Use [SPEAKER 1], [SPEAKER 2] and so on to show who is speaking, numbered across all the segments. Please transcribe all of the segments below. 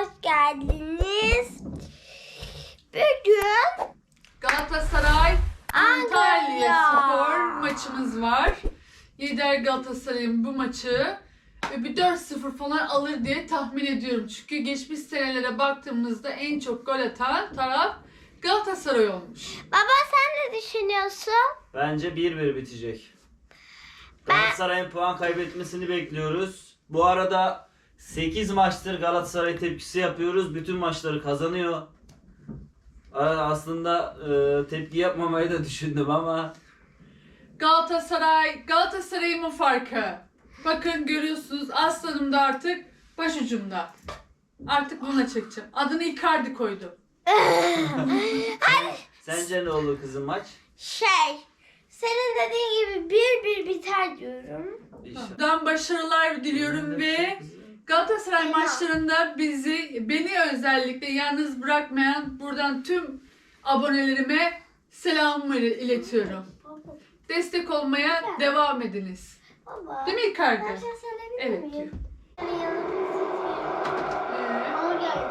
[SPEAKER 1] hoş geldiniz. Bugün
[SPEAKER 2] Galatasaray Antalya
[SPEAKER 1] Antalya
[SPEAKER 2] Spor maçımız var. Lider Galatasaray'ın bu maçı bir 4-0 falan alır diye tahmin ediyorum. Çünkü geçmiş senelere baktığımızda en çok gol atan taraf Galatasaray olmuş.
[SPEAKER 1] Baba sen ne düşünüyorsun?
[SPEAKER 3] Bence 1-1 bitecek. Galatasaray'ın puan kaybetmesini bekliyoruz. Bu arada 8 maçtır Galatasaray tepkisi yapıyoruz. Bütün maçları kazanıyor. Aslında tepki yapmamayı da düşündüm ama
[SPEAKER 2] Galatasaray'ın mı farkı? Bakın görüyorsunuz aslanım da artık başucumda. Artık buna çekeceğim. Adını Icardi koydum.
[SPEAKER 3] sence ne olur kızım maç?
[SPEAKER 1] Senin dediğin gibi 1-1 biter diyorum.
[SPEAKER 3] İnşallah.
[SPEAKER 2] Buradan başarılar diliyorum ve Galatasaray maçlarında beni özellikle yalnız bırakmayan buradan tüm abonelerime selamımı iletiyorum. Destek olmaya devam ediniz.
[SPEAKER 1] Baba.
[SPEAKER 2] Değil mi Icardi?
[SPEAKER 1] Ben şey söyleyebilir
[SPEAKER 2] Evet
[SPEAKER 1] miyim?
[SPEAKER 2] diyor.
[SPEAKER 1] Yani hamburger.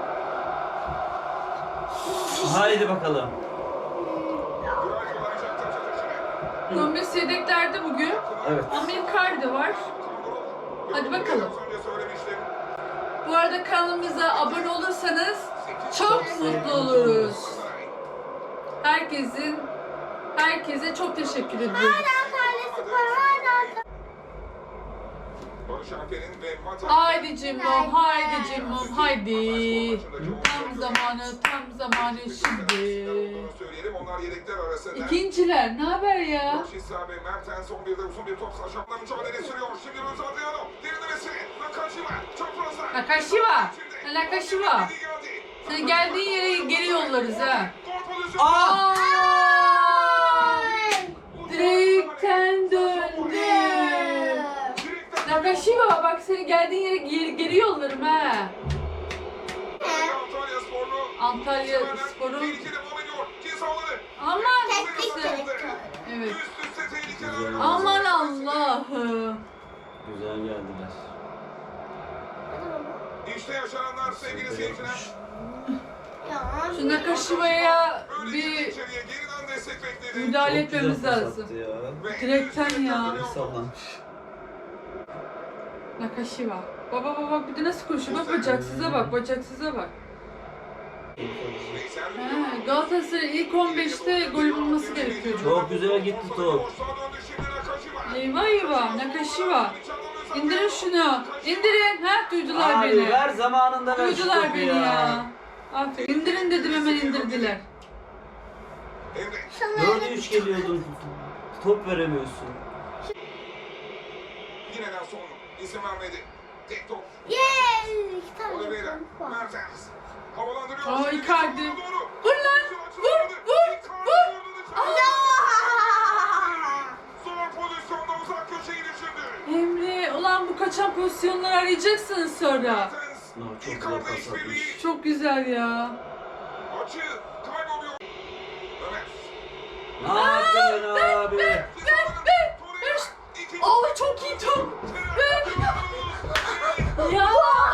[SPEAKER 3] Haydi bakalım.
[SPEAKER 2] Gomez yedeklerde bugün
[SPEAKER 3] Evet.
[SPEAKER 2] ama Icardi var. Hadi bakalım. Bu arada kanalımıza abone olursanız çok mutlu oluruz. Herkese çok teşekkür ediyorum.
[SPEAKER 1] Antalya Spor, Antalya.
[SPEAKER 2] Haydi Cimbom, haydi Cimbom, haydi. Tam zamanı şimdi. İkinciler, ne haber ya? Nakashiwa. Sen geldiğin yere geri yollarız ha. Aa! Direkten döndü. Nakashiwa bak seni geldiğin yere geri yollarım ha. Antalya Spor'un aman evet. Aman Allah'ım.
[SPEAKER 3] Güzel geldiler.
[SPEAKER 4] İşte yaşananlar sevgili seyirciler.
[SPEAKER 2] Şu Nakashiwa'ya bir müdahale etmemiz lazım. Direkten ya.
[SPEAKER 3] Sallanmış.
[SPEAKER 2] Nakashiwa. Baba bir de nasıl koşuyor? Bak bacaksıza bak. Galatasaray ilk 15'te gol bulması gerekiyor.
[SPEAKER 3] Çok güzel gitti top.
[SPEAKER 2] Eyvah Nakashiwa. İndirin şunu. İndirin. Duydular
[SPEAKER 3] Abi
[SPEAKER 2] beni.
[SPEAKER 3] ver zamanında ver şu
[SPEAKER 2] Duydular
[SPEAKER 3] topu
[SPEAKER 2] beni ya. Aferin. İndirin dedim hemen indirdiler.
[SPEAKER 3] 4'e 3 geliyordun. Top veremiyorsun.
[SPEAKER 4] Yine Nelson izin vermedi. Tek top.
[SPEAKER 1] Yes! İki tane
[SPEAKER 4] Oliveira,
[SPEAKER 1] top var.
[SPEAKER 4] Mertens. Havalandırıyor.
[SPEAKER 2] Aa,
[SPEAKER 4] Şimdi
[SPEAKER 2] Icardi.
[SPEAKER 4] doğru.
[SPEAKER 2] Vur lan. Vur.
[SPEAKER 4] Zor pozisyonda uzak köşeyi düşündü.
[SPEAKER 2] Emre ulan bu kaçan pozisyonları arayacaksınız sonra.
[SPEAKER 4] Mertens.
[SPEAKER 3] No, çok
[SPEAKER 4] Icardi
[SPEAKER 3] güzel pas
[SPEAKER 4] işbirliği.
[SPEAKER 3] atmış.
[SPEAKER 2] Çok güzel ya.
[SPEAKER 4] Açı kayboluyor. Ömer.
[SPEAKER 3] Ne yaptın abi?
[SPEAKER 2] Ver. Aa çok iyi top. Ya.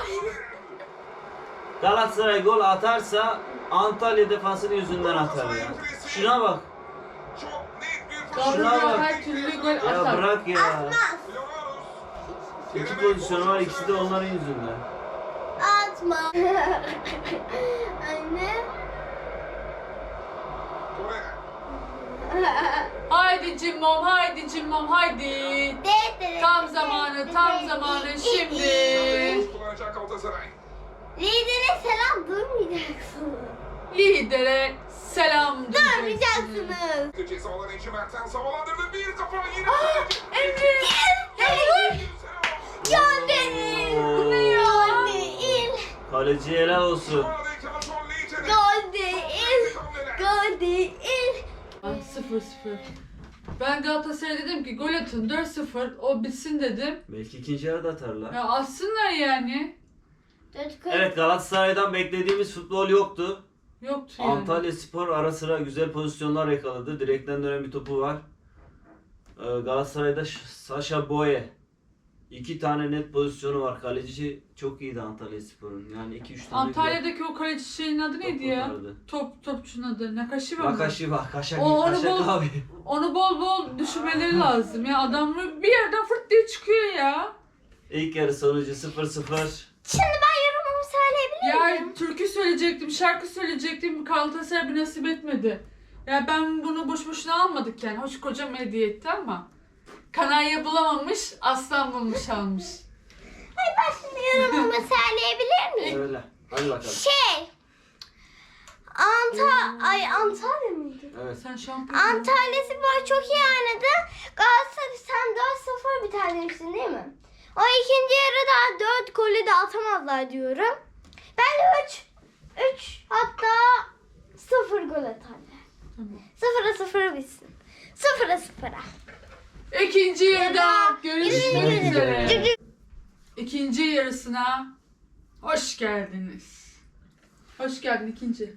[SPEAKER 3] Galatasaray gol atarsa Antalya defansının yüzünden atar ya. Şuna bak.
[SPEAKER 4] Çok net bir
[SPEAKER 2] Galatasaray
[SPEAKER 3] bak.
[SPEAKER 2] her türlü gol
[SPEAKER 3] Ya
[SPEAKER 2] atar.
[SPEAKER 3] bırak ya.
[SPEAKER 4] Leonaros.
[SPEAKER 3] İki pozisyon var, ikisi de onların yüzünden.
[SPEAKER 1] Atma. Anne.
[SPEAKER 4] Torreira.
[SPEAKER 2] Haydi Cimbom haydi. Tam zamanı şimdi.
[SPEAKER 4] Kullanacak Galatasaray.
[SPEAKER 1] Lidere selam durmayacaksınız.
[SPEAKER 2] Lidere selam diyeceksiniz.
[SPEAKER 1] Durmayacaksınız.
[SPEAKER 4] Cezaların içi Mertens havalandırdı. Bir kafa yine.
[SPEAKER 2] Emre.
[SPEAKER 1] Gönderin.
[SPEAKER 3] Oo.
[SPEAKER 1] Gönderin.
[SPEAKER 3] Kaleci helal olsun.
[SPEAKER 1] Gönderin.
[SPEAKER 2] 0-0. Ben Galatasaray'a dedim ki gol atın 4-0 o bitsin dedim.
[SPEAKER 3] Belki ikinci yarıda atarlar.
[SPEAKER 2] Ya atsınlar yani.
[SPEAKER 3] Evet, Galatasaray'dan beklediğimiz futbol yoktu.
[SPEAKER 2] Yoktu yani.
[SPEAKER 3] Antalya Spor ara sıra güzel pozisyonlar yakaladı. Direkten dönen bir topu var. Galatasaray'da Sacha Boey 2 tane net pozisyonu var. Kaleci çok iyiydi Antalyaspor'un. Yani 2-3 tane
[SPEAKER 2] Antalya'daki o kaleci şeyin adı neydi ya?
[SPEAKER 3] kurtardı.
[SPEAKER 2] Topçunun adı. Nakashiwa mı?
[SPEAKER 3] Nakashiwa, Kaşak
[SPEAKER 2] O,
[SPEAKER 3] abi.
[SPEAKER 2] Onu bol bol düşürmeleri lazım ya. Adam bir yerden fırt diye çıkıyor ya.
[SPEAKER 3] İlk yarı sonucu 0-0.
[SPEAKER 1] Şimdi ben yorumumu söyleyebilir miyim?
[SPEAKER 2] Ya türkü söyleyecektim, şarkı söyleyecektim. Galatasaray bir nasip etmedi. Ya ben bunu boş boşuna almadık yani. Hoş kocam hediye etti ama. Kanarya bulamamış, aslan bulmuş almış.
[SPEAKER 1] Hayır, ben şimdi yorumumu söyleyebilir miyim?
[SPEAKER 3] Öyle. Hadi bakalım.
[SPEAKER 1] Antalya mıydı?
[SPEAKER 3] Evet.
[SPEAKER 2] Sen şampiyon.
[SPEAKER 1] Antalya Spor çok iyi oynadı. Galatasaray sen 4-0 biter demiştin değil mi? O ikinci yarıda 4 golü de atamazlar diyorum. Ben de 3 hatta 0 gol atarlar.
[SPEAKER 2] Tamam.
[SPEAKER 1] 0-0 bitsin. 0-0.
[SPEAKER 2] İkinci yarıda görüşmek
[SPEAKER 1] Yürü.
[SPEAKER 2] üzere. İkinci yarısına hoş geldiniz. Hoş geldin ikinci.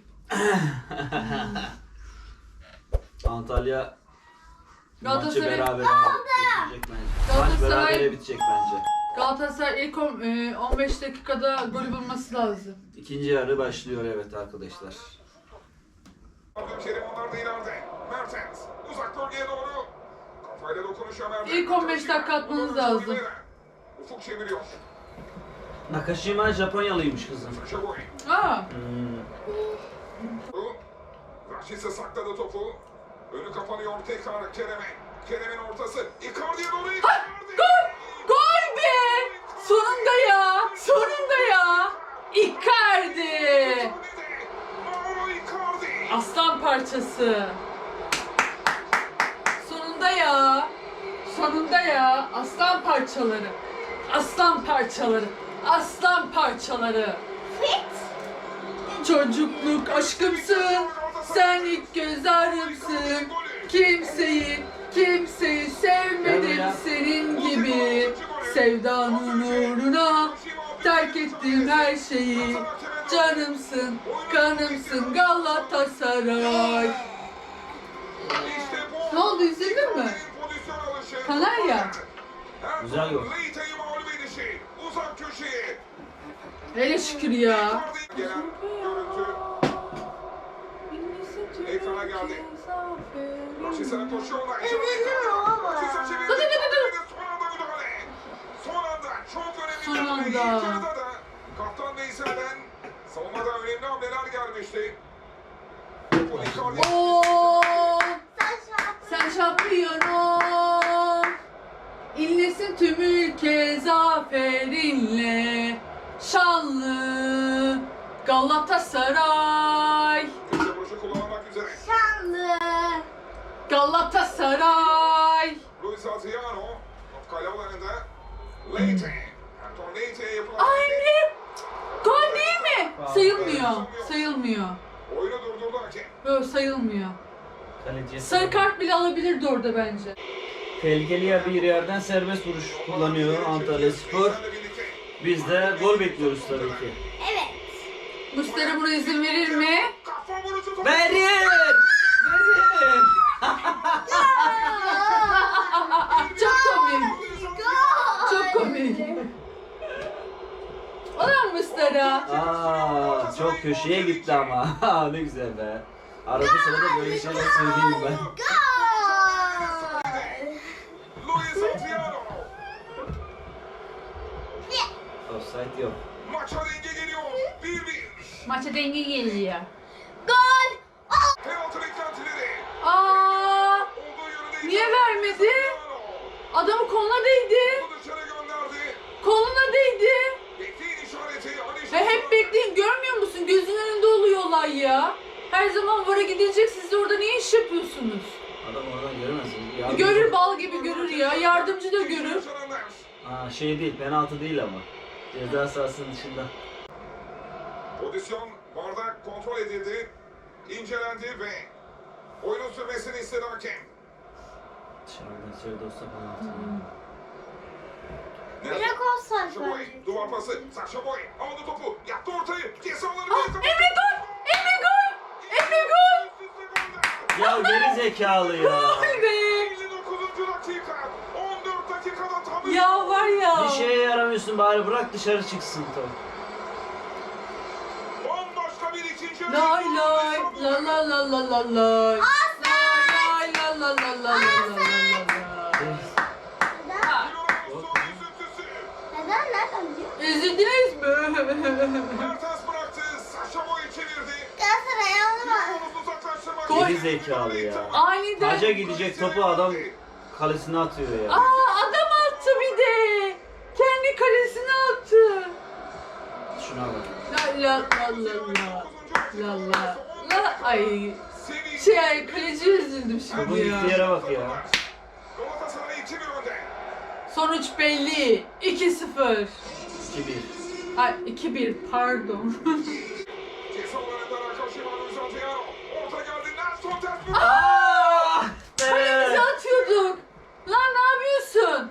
[SPEAKER 3] Antalya maçı
[SPEAKER 2] Galatasaray-
[SPEAKER 3] beraber bitecek bence. Maç
[SPEAKER 2] Galatasaray-
[SPEAKER 3] berabere bitecek bence.
[SPEAKER 2] Galatasaray ilk 15 dakikada golü bulması lazım.
[SPEAKER 3] İkinci yarı başlıyor evet arkadaşlar.
[SPEAKER 4] Abdülkerim onlar da ileride. Mertens uzak bölgeye doğru. Kafayla dokunuşa Mertens.
[SPEAKER 2] İlk 15 dakika atmanız lazım.
[SPEAKER 4] Ufuk çeviriyor.
[SPEAKER 3] Nakashima Japonyalıymış kızım.
[SPEAKER 4] Saşa Boy.
[SPEAKER 2] Aa,
[SPEAKER 4] Raşit'e sakladı topu. Önü kapanıyor tekrar Kerem'e. Kerem'in ortası. Icardi'ye doğru Icardi.
[SPEAKER 2] gol be! Sonunda ya! Sonunda ya! Icardi!
[SPEAKER 4] Mauro Icardi.
[SPEAKER 2] Aslan parçası. Sonunda ya! Sonunda ya! Aslan parçaları. Aslan parçaları. Aslan parçaları.
[SPEAKER 1] Fit.
[SPEAKER 2] Çocukluk aşkımsın. Sen ilk göz ağrımsın. Kimseyi sevmedim senin gibi. Sevdanın uğruna terk ettim her şeyi. Canımsın, kanımsın Galatasaray. Ne oldu, üzüldün mü? Kanarya.
[SPEAKER 3] Güzel gol.
[SPEAKER 4] Leite'yi mağlup edişi. Uzak köşeye.
[SPEAKER 2] Hele şükür ya.
[SPEAKER 4] Icardi gelen görüntü. Ekrana geldi. Raşit'e koşuyorlar. Raşit'e çevirdi.
[SPEAKER 2] Dur, dur, dur, dur.
[SPEAKER 4] Son anda müdahale. Son anda çok önemli
[SPEAKER 2] Son
[SPEAKER 4] müdahale. İlk
[SPEAKER 2] anda.
[SPEAKER 4] yarıda da Kaptan Veysel'den savunmada önemli hamleler gelmişti. Topu Icardi.
[SPEAKER 2] Oo, sen şampiyon. İnlesin tüm ülke zaferinle. Şanlı Galatasaray.
[SPEAKER 4] Köşe başı kullanmak üzere.
[SPEAKER 1] Şanlı.
[SPEAKER 2] Galatasaray.
[SPEAKER 4] Luis Adriano. Kale alanında. Leite. Anton Leite'ye yapılan.
[SPEAKER 2] Ay Emre. Gol değil mi? Sayılmıyor. Sayılmıyor.
[SPEAKER 4] Oyunu durdurdu hakem.
[SPEAKER 2] Böyle sayılmıyor.
[SPEAKER 3] Kaleciye
[SPEAKER 2] Sarı kart bile alabilirdi orada bence.
[SPEAKER 3] Tehlikeli bir yerden serbest vuruş kullanıyor Antalyaspor. Biz de gol bekliyoruz tabii ki.
[SPEAKER 1] Evet.
[SPEAKER 2] Mustera buna izin verir mi?
[SPEAKER 4] Kafa vuruşu topu.
[SPEAKER 3] Verin! Verin!
[SPEAKER 2] Çok komik. Çok komik. Ulan Mustera.
[SPEAKER 3] Aa, çok köşeye gitti ama. Ne güzel be. Arada sırada böyle şeyler söyleyeyim ben.
[SPEAKER 4] Luis Adriano.
[SPEAKER 3] Offside yok.
[SPEAKER 4] Maça denge geliyor. 1-1.
[SPEAKER 2] Maça denge geliyor.
[SPEAKER 1] Gol.
[SPEAKER 4] Penaltı beklentileri.
[SPEAKER 2] Aa,
[SPEAKER 4] Olduğu yönde
[SPEAKER 2] niye vermedi? Adamı koluna değdi.
[SPEAKER 4] Topu dışarı gönderdi.
[SPEAKER 2] Koluna değdi.
[SPEAKER 4] Bekleyin işareti.
[SPEAKER 2] Ve hep bekleyin, görmüyor musun? Gözün önünde oluyor olay ya. Her zaman VAR'a gidilecek, siz de orada niye iş yapıyorsunuz?
[SPEAKER 3] Adam oradan göremez.
[SPEAKER 2] Görür, bal gibi görür ya. Yardımcı da görür.
[SPEAKER 3] Aa, şey değil, penaltı değil ama. Ceza sahasının dışında.
[SPEAKER 4] Pozisyon VAR'da kontrol edildi. İncelendi ve oyunun sürmesini istedi hakem.
[SPEAKER 3] Dışarıdan içeride olsa penaltı.
[SPEAKER 1] Direkt offside
[SPEAKER 4] Saşa Boy,
[SPEAKER 1] bence.
[SPEAKER 4] duvar pası. Saşa Boy aldı topu. Yaptı ortayı. Ceza alanı.
[SPEAKER 2] Ah, Emre gol! Emre gol! Emre gol!
[SPEAKER 3] Ya geri zekalı ya.
[SPEAKER 2] Gol be!
[SPEAKER 4] 59. dakika. 14 dakikada tam
[SPEAKER 2] Ya var ya.
[SPEAKER 3] Bir şeye yaramıyorsun, bari bırak dışarı çıksın top.
[SPEAKER 4] Bambaşka bir ikinci yarı.
[SPEAKER 2] Lay lay la la la la la lay. Lay la la la la la la la la. Ha,
[SPEAKER 1] Neden? Nereden biliyor?
[SPEAKER 2] üzüldünüz mü?
[SPEAKER 4] Mertens bıraktı. Saşa Boy çevirdi.
[SPEAKER 1] Galatasaray onu var.
[SPEAKER 4] Omuz uzaklaştırmak.
[SPEAKER 2] Gol.
[SPEAKER 3] Geri zekalı ya.
[SPEAKER 2] Aniden.
[SPEAKER 3] Taca gidecek topu adam kalesine atıyor ya.
[SPEAKER 2] Aa, adam attı bir de. Kendi kalesine attı.
[SPEAKER 3] Şuna bak.
[SPEAKER 2] La la la la la. La la la. Ay. Şey, kaleci üzüldüm
[SPEAKER 3] Topu
[SPEAKER 2] şimdi
[SPEAKER 3] gittiği
[SPEAKER 2] ya.
[SPEAKER 3] yere bak ya.
[SPEAKER 4] Galatasaray 2-1 önde.
[SPEAKER 2] Sonuç belli. 2-0.
[SPEAKER 3] 2-1.
[SPEAKER 2] Ay 2-1 pardon.
[SPEAKER 4] Ceza alanında Nakashima'nın uzatıyor. Orta geldi. Nelson ters
[SPEAKER 3] Aaaa!
[SPEAKER 2] Kalemize atıyorduk. Lan ne yapıyorsun?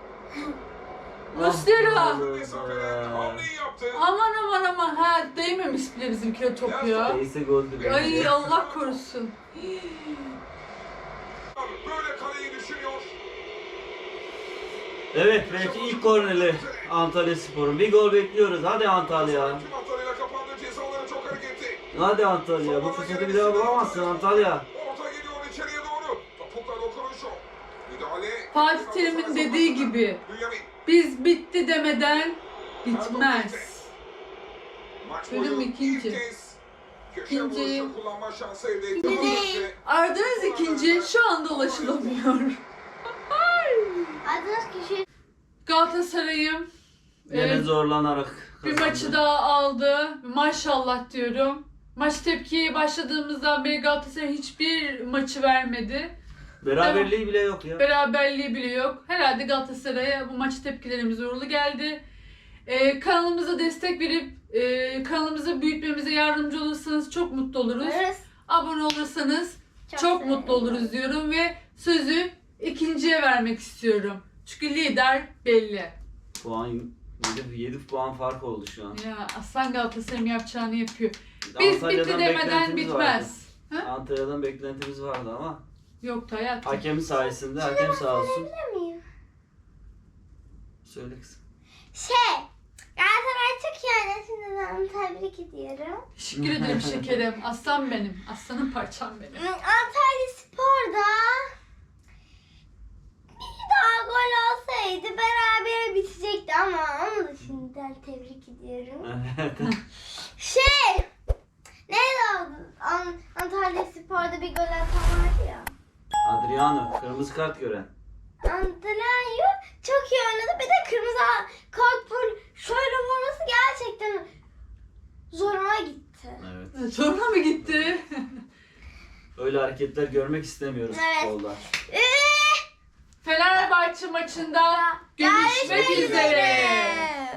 [SPEAKER 2] Muslera.
[SPEAKER 4] mesafeden hamleyi yaptı.
[SPEAKER 2] Aman aman aman. Ha değmemiş bile bizimkine top ya.
[SPEAKER 3] Neyse goldü be.
[SPEAKER 2] Ay Allah korusun.
[SPEAKER 4] Böyle kaleyi düşünüyor.
[SPEAKER 3] Evet, belki ilk korneri Antalya Spor'un. Bir gol bekliyoruz. Hadi Antalya.
[SPEAKER 4] Tüm hatlarıyla kapandı. Ceza alanı çok hareketli.
[SPEAKER 3] Hadi Antalya. Bu fırsatı bir daha bulamazsın Antalya.
[SPEAKER 4] Orta gidiyor içeriye doğru. Topukla dokunuşu. Müdahale.
[SPEAKER 2] Fatih Terim'in dediği gibi
[SPEAKER 4] Bünyamin.
[SPEAKER 2] biz bitti demeden bitmez.
[SPEAKER 4] Maç
[SPEAKER 2] Bölüm
[SPEAKER 4] boyu
[SPEAKER 2] ikinci.
[SPEAKER 4] ilk kez köşe
[SPEAKER 2] İkinci.
[SPEAKER 4] vuruşu kullanma şansı elde etti.
[SPEAKER 1] İkinci.
[SPEAKER 2] Aradığınız ikinci şu anda ulaşılamıyor.
[SPEAKER 1] Adınız kişi.
[SPEAKER 2] Galatasaray'ım
[SPEAKER 3] Yine zorlanarak
[SPEAKER 2] bir
[SPEAKER 3] kazandı.
[SPEAKER 2] maçı daha aldı. Maşallah diyorum. Maç tepkiye başladığımızdan beri Galatasaray hiçbir maçı vermedi.
[SPEAKER 3] Beraberliği bile yok ya.
[SPEAKER 2] Beraberliği bile yok. Herhalde Galatasaray'a bu maç tepkilerimiz uğurlu geldi. Kanalımıza destek verip kanalımızı büyütmemize yardımcı olursanız çok mutlu oluruz.
[SPEAKER 1] Evet.
[SPEAKER 2] Abone olursanız çok
[SPEAKER 1] sevinirim.
[SPEAKER 2] mutlu oluruz diyorum ve sözü ikinciye vermek istiyorum. Çünkü lider belli.
[SPEAKER 3] Puan 7 puan fark oldu şu an.
[SPEAKER 2] Ya Aslan Galatasaray'ın yapacağını yapıyor. Biz bitti demeden
[SPEAKER 3] beklentimiz
[SPEAKER 2] bitmez.
[SPEAKER 3] vardı.
[SPEAKER 2] Ha?
[SPEAKER 3] Antalya'dan beklentimiz vardı ama
[SPEAKER 2] Yoktu hayatım.
[SPEAKER 3] hakem sayesinde hakem sağ olsun.
[SPEAKER 1] Bilir miyim?
[SPEAKER 3] Söyle kızım.
[SPEAKER 1] Galatasaray çok iyi oynadı. Şimdiden tebrik ediyorum.
[SPEAKER 2] Teşekkür ederim şekerim. Aslan benim. Aslanın parçam benim.
[SPEAKER 1] Antalya Spor'da bir daha gol olsaydı beraber bitecekti ama onu da şimdiden tebrik ediyorum. Neydi o? Antalya Spor'da bir gol atan vardı ya.
[SPEAKER 3] Adriano kırmızı kart gören.
[SPEAKER 1] Antalya çok iyi oynadı. Bir de kırmızı kart full şöyle vurması gerçekten zoruma gitti.
[SPEAKER 3] Evet.
[SPEAKER 2] Sonra mı gitti?
[SPEAKER 3] Öyle hareketler görmek istemiyoruz
[SPEAKER 1] Evet.
[SPEAKER 3] futbolda.
[SPEAKER 2] Fenerbahçe maçında görüşmek üzere.